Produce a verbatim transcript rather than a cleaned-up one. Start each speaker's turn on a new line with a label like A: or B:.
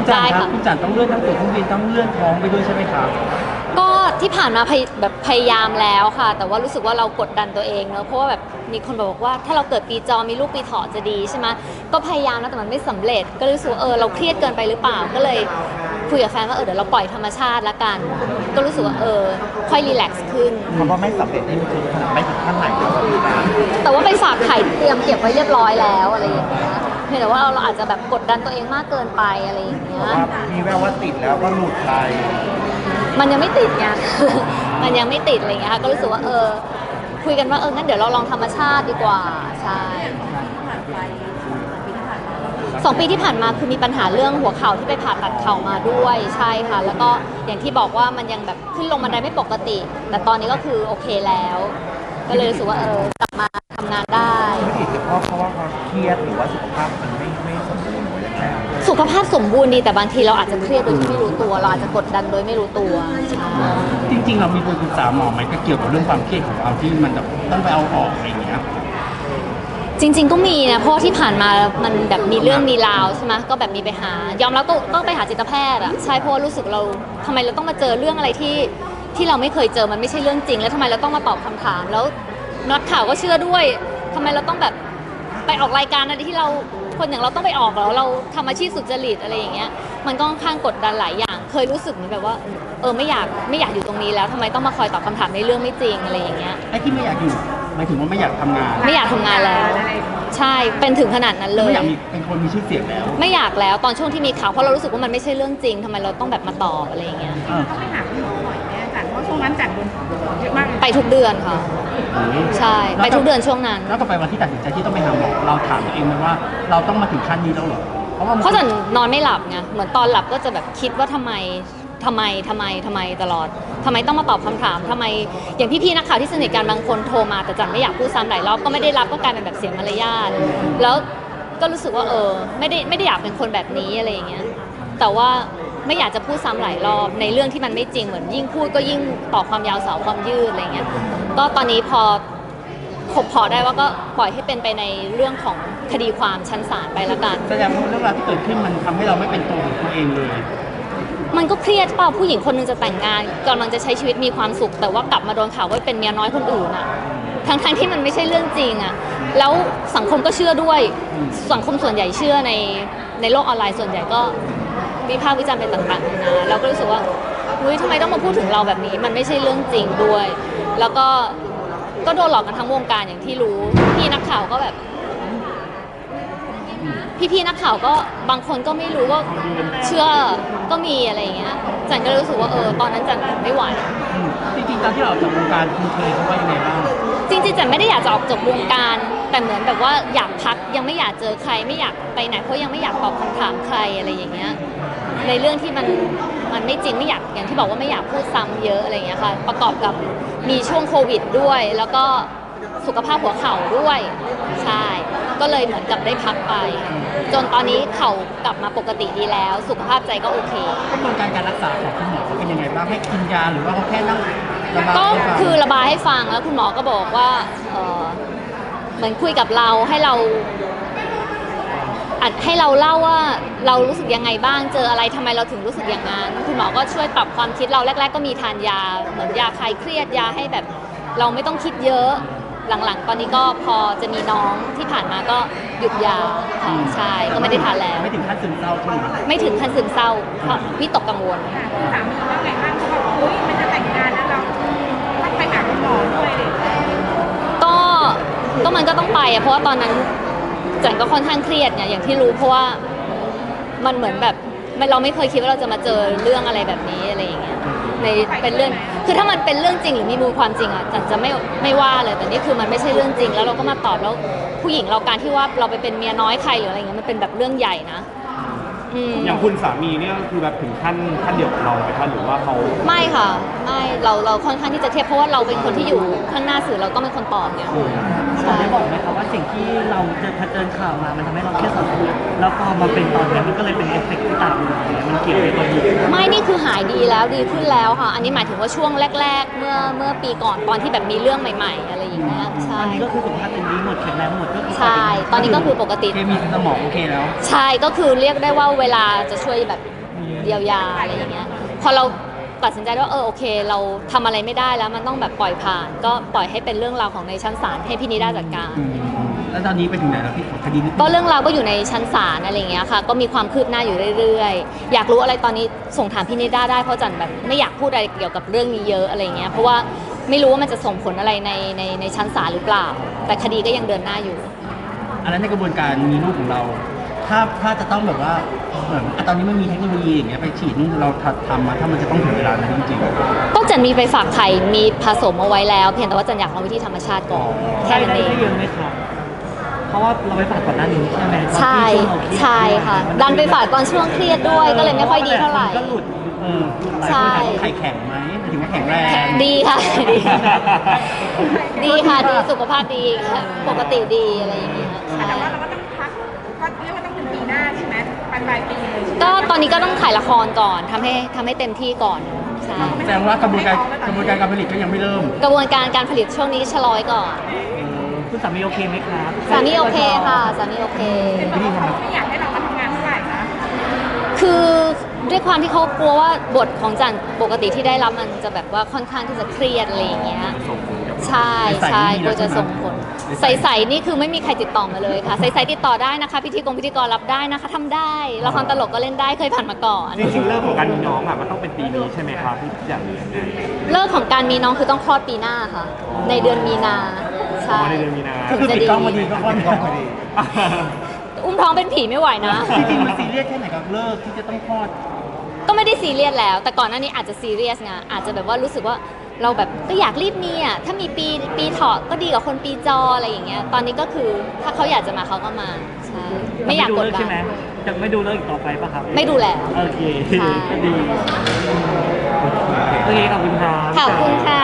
A: ได้ค่ะ
B: คุณจันต้องเลื่อนทั้งตั๋วเครื่องบินต้องเลื่อนท้องไปด้วยใช่ไหมครับ
A: ก็ที่ผ่านมาพยแบบพยายามแล้วค่ะแต่ว่ารู้สึกว่าเรากดดันตัวเองเนอะเพราะว่าแบบมีคนบอกว่าถ้าเราเกิดปีจอมีลูกปีเถาะจะดีใช่ไหมก็พยายามนะแต่มันไม่สำเร็จก็รู้สึกว่าเออเราเครียดเกินไปหรือเปล่าก็เลยคุยกับแฟนว่าเออเดี๋ยวเราปล่อยธรรมชาติละกันก็รู้สึกว่าเออค่อยรีแลกซ์ขึ้น
B: คำว่าไม่สำเร็จนี่มันคือขนาดไม่ถึงขั้นไหนครับ
A: แต่ว่าไปฝากไข่เตรียมเก็บไว้เรียบร้อยแล้วอะไรอย่างเงี้ยเพียงแต่ว่าเราอาจจะแบบกดดันตัวเองมากเกินไปอะไรอย่างเงี้ย
B: มีแววว่าติดแล้วก็หลุดไป
A: มันยังไม่ติดไง มันยังไม่ติดอะไรเงี้ยค่ะก็รู้สึกว่าเออคุยกันว่าเอองั้นเดี๋ยวเราลองธรรมชาติดีกว่าใช่สองปีที่ผ่านมาคือมีปัญหาเรื่องหัวเข่าที่ไปผ่าตัดเข่ามาด้วยใช่ค่ะแล้วก็อย่างที่บอกว่ามันยังแบบขึ้นลงบันไดไม่ปกติแต่ตอนนี้ก็คือโอเคแล้วก็เลยรู้สึกว่าเออกลับมาทำงานได้
B: ไม่ติดเพราะเพราะว่าเขาเครียดหรือว่าสุขภาพมันไม่ไม่สมบูรณ์หรือยังไง
A: สุขภาพสมบูรณ์ดีแต่บางทีเราอาจจะเครียดโดยที่ไม่รู้ตัวเราอาจจะกดดันโดยไม่รู้ตัว
B: จริงๆเรามีปรึกษาหมอไหมก็เกี่ยวกับเรื่องความเครียดของเราที่มันแบบต้องไปเอาออกอะไรอย่างเงี้ย
A: จริงๆก็มีนะเพราะที่ผ่านมามันแบบมีเรื่องมีราวใช่ไหมก็แบบมีไปหายอมแล้วก็ต้องไปหาจิตแพทย์อ่ะใช่เพราะรู้สึกเราทำไมเราต้องมาเจอเรื่องอะไรที่ที่เราไม่เคยเจอมันไม่ใช่เรื่องจริงแล้วทำไมเราต้องมาตอบคำถามแล้วนักข่าวก็เชื่อด้วยทำไมเราต้องแบบไปออกรายการอะไรที่เราคนอย่างเราต้องไปออกแล้วเราทำอาชีพสุจริตอะไรอย่างเงี้ยมันก็ค่อนข้างกดดันหลายอย่างเคยรู้สึกเหมือนแบบว่าเออไม่อยากไม่อยากอยู่ตรงนี้แล้วทำไมต้องมาคอยตอบคำถามในเรื่องไม่จริงอะไรอย่างเงี้ย
B: ไอ้ที่ไม่อยากอยู่หมายถึงว่าไม่อยากทำงาน
A: ไม่อยากทำงานแล้วใช่เป็นถึงขนาดนั้นเลย
B: ไม่อยากมีเป็นคนมีชื่อเสียงแล้ว
A: ไม่อยากแล้วตอนช่วงที่มีข่าวเพราะเรารู้สึกว่ามันไม่ใช่เรื่องจริงทำไมเราต้องแบบมาตอบอะไรอย่างเงี้ย
C: ต้องไปหาคุณหมอบ่อยแน่จันเพราะช่วงนั้นจันโดนเยอะมาก
A: ไปทุกเดือนค่ะใช่ไปทุกเดือนช่วงนั้น
B: แล้วก็ไปวันที่ตัดสินใจที่ต้องไปหาหมอเราถามตัวเองไหมว่าเราต้องมาถึงขั้นนี้แล้วเหรอ
A: เพราะว่าเพราะฉันนอนไม่หลับไงเหมือนตอนหลับก็จะแบบคิดว่าทำไมทำไมทำไมทำไมตลอดทำไมต้องมาตอบคำถามทำไมอย่างพี่ๆนักข่าวที่สนิทกันบางคนโทรมาแต่จันไม่อยากพูดซ้ำหลายรอบก็ไม่ได้รับก็กลายเป็นแบบเสียมารยาทแล้วก็รู้สึกว่าเออไม่ได้ไม่ได้อยากเป็นคนแบบนี้อะไรอย่างเงี้ยแต่ว่าไม่อยากจะพูดซ้ำหลายรอบในเรื่องที่มันไม่จริงเหมือนยิ่งพูดก็ยิ่งต่อความยาวสาวความยืดอะไรเงี้ยก็ตอนนี้พอขบพอได้ว่าก็ปล่อยให้เป็นไปในเรื่องของคดีความชั้นศาลไปแล้วกัน
B: แสดงว่าเรื่องราวที่เกิดขึ้นมันทำให้เราไม่เป็นตัวของตัวเองเลย
A: มันก็เครียดเปล่าผู้หญิงคนนึงจะแต่งงานกำลังจะใช้ชีวิตมีความสุขแต่ว่ากลับมาโดนข่าวว่าเป็นเมียน้อยคนอื่นอ่ะทั้งทั้งที่มันไม่ใช่เรื่องจริงอ่ะแล้วสังคมก็เชื่อด้วยสังคมส่วนใหญ่เชื่อในในโลกออนไลน์ส่วนใหญ่ก็วิพากษ์วิจารณ์เป็นต่างๆนะเราก็รู้สึกว่าเฮ้ยทำไมต้องมาพูดถึงเราแบบนี้มันไม่ใช่เรื่องจริงด้วย แล้วก็ก็โดนหลอกกันทั้งวงการอย่างที่รู้พี่นักข่าวก็แบบพี่ๆนักข่าวก็บางคนก็ไม่รู้ก็เชื่อก็มีอะไรอย่างเงี้ยจันก็รู้สึกว่าเออตอนนั้นจันไม่ไหว
B: จริงๆตอนที่เราออกจากวงการคุณเคยเขาว่ายังไงบ้าง
A: จริงๆจันไม่ได้อยากจะออกจากวงการแต่เหมือนแบบว่าอยากพักยังไม่อยากเจอใครไม่อยากไปไหนเพราะยังไม่อยากตอบคำถามใครอะไรอย่างเงี้ยในเรื่องที่มันมันไม่จริงไม่อยากอย่างที่บอกว่าไม่อยากพูดซ้ำเยอะอะไรอย่างเงี้ยค่ะประกอบกับมีช่วงโควิดด้วยแล้วก็สุขภาพหัวเข่าด้วยใช่ก็เลยเหมือนกับได้พักไปจนตอนนี้เข่ากลับมาปกติดีแล้วสุขภาพใจก็โอเค
B: กระบวนการการรักษาของคุณหมอเป็นยังไงบ้างให้กินยาหรือว่าเขาแค่นั่ง
A: ก็คือระบายให้ฟังแล้วคุณหมอก็บอกว่าเออเหมือนคุยกับเราให้เราอัดให้เราเล่าว่าเรารู้สึกยังไงบ้างเจออะไรทำไมเราถึงรู้สึกอย่างนั้นคุณหมอก็ช่วยปรับความคิดเราแรกๆก็มีทานยาเหมือนยาคลายเครียดยาให้แบบเราไม่ต้องคิดเยอะหลังๆตอนนี้ก็พอจะมีน้องที่ผ่านมาก็หยุดยาค่ะใช่ก็ไม่ได้ทานแล้ว
B: ไม่ถึงขั้นซึมเศร้าใช่ไหม
A: ไม่ถึงขั้นซึมเศร้าเพราะวิตกกังวล
C: สามีว่าไงบ้างเขาบอกเฮ้ยมันจะแต่งงานแล้วเราต้องไปหาคุณหมอด้วยเลย
A: ก็ก็มันก็ต้องไปอะเพราะว่าตอนนั้นจันก็ค่อนข้างเครียดเนี่ยอย่างที่รู้เพราะว่ามันเหมือนแบบเราไม่เคยคิดว่าเราจะมาเจอเรื่องอะไรแบบนี้อะไรอย่างเงี้ยในเป็นเรื่องคือถ้ามันเป็นเรื่องจริงหรือมีมูลความจริงอ่ะจันจะไม่ไม่ว่าเลยแต่นี่คือมันไม่ใช่เรื่องจริงแล้วเราก็มาตอบแล้วผู้หญิงเราการที่ว่าเราไปเป็นเมียน้อยใครหรืออะไรเงี้ยมันเป็นแบบเรื่องใหญ่นะ
B: อย่างคุณสามีเนี่ยคือแบบถึงขั้นขั้นเดียวกับเราไหมคะหรือว่าเขา
A: ไม่ค่ะไม่เราเราค่อนข้างที่จะเทียบเพราะว่าเราเป็นคนที่อยู่ข้างหน้าสื่อเราต้องเป็นคนตอบเนี่ย
D: เราได้บอกไหมคะว่าสิ่งที่เราเจอเจอข่าวมามันทำให้เราเครียดสะสมแล้วพอมาเป็นตอนนี้มันก็เลยเป็นเอฟเฟกต์ที่ตามมามันเกี่ยวกับตัวนี้
A: ไม่นี่คือหายดีแล้วดีขึ้นแล้วค่ะ อันนี้หมายถึงว่าช่วงแรก ๆ เมื่อเมื่อปีก่อนตอนที่แบบมีเรื่องใหม่ ๆ อะไรอย่างเงี้ยใช่
D: ตอนนี้ก็คือสุขภาพเป็นดีหมดแข็งแรงหมดก็คือ
A: ใช่ตอนนี้ก็คือปกติ
B: เคมีในสมองโอเคแล้ว
A: ใช่ก็คือเรียกได้ว่าเวลาจะช่วยแบบเยียวยาอะไรอย่างเงี้ยพอเราตัดสินใจว่าเออโอเค เราทำอะไรไม่ได้แล้วมันต้องแบบปล่อยผ่าน ก็ปล่อยให้เป็นเรื่องราวของในชั้นศาลให้พี่นิด้าจัดการ
B: อืมแล้วตอนนี้ไปถึงไหนแล้วพี่ของคดีนี้
A: ก็เรื่องราวก็อยู่ในชั้นศาลอะไรอย่างเงี้ยค่ะ ก็มีความคืบหน้าอยู่เรื่อยๆ อยากรู้อะไรตอนนี้ส่งถามพี่นิด้าได้เพราะจันแบบไม่อยากพูดอะไรเกี่ยวกับเรื่องนี้เยอะอะไรอย่างเงี้ยเพราะว่าไม่รู้ว่ามันจะส่งผลอะไรในในในชั้นศาลหรือเปล่า แต่คดีก็ยังเดินหน้าอยู่
B: อันนั้นในกระบวนการมีลูกของเรา ถ้าถ้าจะต้องแบบว่าเหมือนอ่ะตอนนี้มันมีเทคโนโลยีอย่างเงี้ยไปฉีดนู่นเราทำมาถ้ามันจะต้องถึงเวลานั้นจริงๆ
A: ก็จันมีไปฝากไข่มีผสมเอาไว้แล้ว เพียงแต่ว่าจันอยากลองวิธีธรรมชาติก่อนแค่
D: ได้
A: นั้น
D: ได้
A: เอง
D: ได้เยอะไหมครับเพราะว่าเราไปฝากก่อนหน้านี้ใช่ไหมตอน
A: ใช่
D: ที่วงเราเครียด
A: ใช่ค่ะ ดันไปฝากตอนช่วงเครียดด้วยก็เลยไม่ค่อยดีเท่าไหร่
D: ก็หลุดเออหลุดหลาย
A: ใช่
D: คน
B: ถามว่าไข่แข็งไหมหมายถึงว่าแข็งแรง
A: ดีค่ะดีดีค่ะดีสุขภาพดีค่ะปกติดีอะไรอย่างเงี้ยใช่
C: แต่ว่าเราก็ต้องพักก็เรียกว่าต้องเป็นปีหน้าใช่ไหมปลายปลายปีเลยใช่ไหม
A: ก็ตอนนี้ก็ต้องถ่ายละครก่อนทำให้ทำให้เต็มที่ก่อนใช่
B: แสดงว่ากระบวนการกระบวนการการผลิตก็ยังไม่เริ่ม
A: กระบวนการการผลิตช่วงนี้ชะลอยก่อน
D: เออคุณสามีโอเคไหมครับ
A: สามีโอเคค่ะสามีโอเค
C: เป็นเพราะว่าเขาไม่อยากให้เรามาทำงานเท่าไหร่นะ
A: คือด้วยความที่เขากลัวว่าบทของจันปกติที่ได้รับมันจะแบบว่าค่อนข้างที่จะเครียดอะไรอย่างเงี้ยใช่ใช่กลัวจะส่งผลใสๆนี่คือไม่มีใครติดต่อมาเลยค่ะใสๆติดต่อได้นะคะพิธีกรพิธีกรรับได้นะคะทำได้ละครตลกก็เล่นได้เคยผ่านมาก่อน
E: จริงๆเรื่องของการมีน้องอ่ะมันต้องเป็นปีนี้ใช่ไหมครับที่อย่างนี้ยังไง
A: เลิกของการมีน้องคือต้องคลอดปีหน้าค่ะ ในเดือนมีนาใช่
E: อ๋อในเดือนมีนา
A: ถึง
B: คือ
A: จะ
B: ปิด
A: ดี
B: กล้องพอดีก็คลอดกล้องพอดี
A: อุ้มท้องเป็นผีไม่ไหวนะ
B: จริงๆมันซีเรียสแค่ไหนกับเลิกที่จะต้องคลอด
A: ก็ไม่ได้ซีเรียสแล้ว แต่ก่อนหน้านี้อาจจะซีเรียสไงอาจจะแบบว่ารู้สึกว่าเราแบบก็อยากรีบมีอ่ะถ้ามีปีปีเถาะก็ดีกว่าคนปีจออะไรอย่างเงี้ยตอนนี้ก็คือถ้าเขาอยากจะมาเขาก็มาใช่ไม่อยากกดดั
D: ใช่ไหม
A: น
D: จะไม่ดูเลิกอีกต่อไปป่ะครับ
A: ไม่ดูแล้ว
D: โอเค
A: ใช่
D: ก็ดีโอเคขอบคุณครับ
A: ขอบคุณค่ะ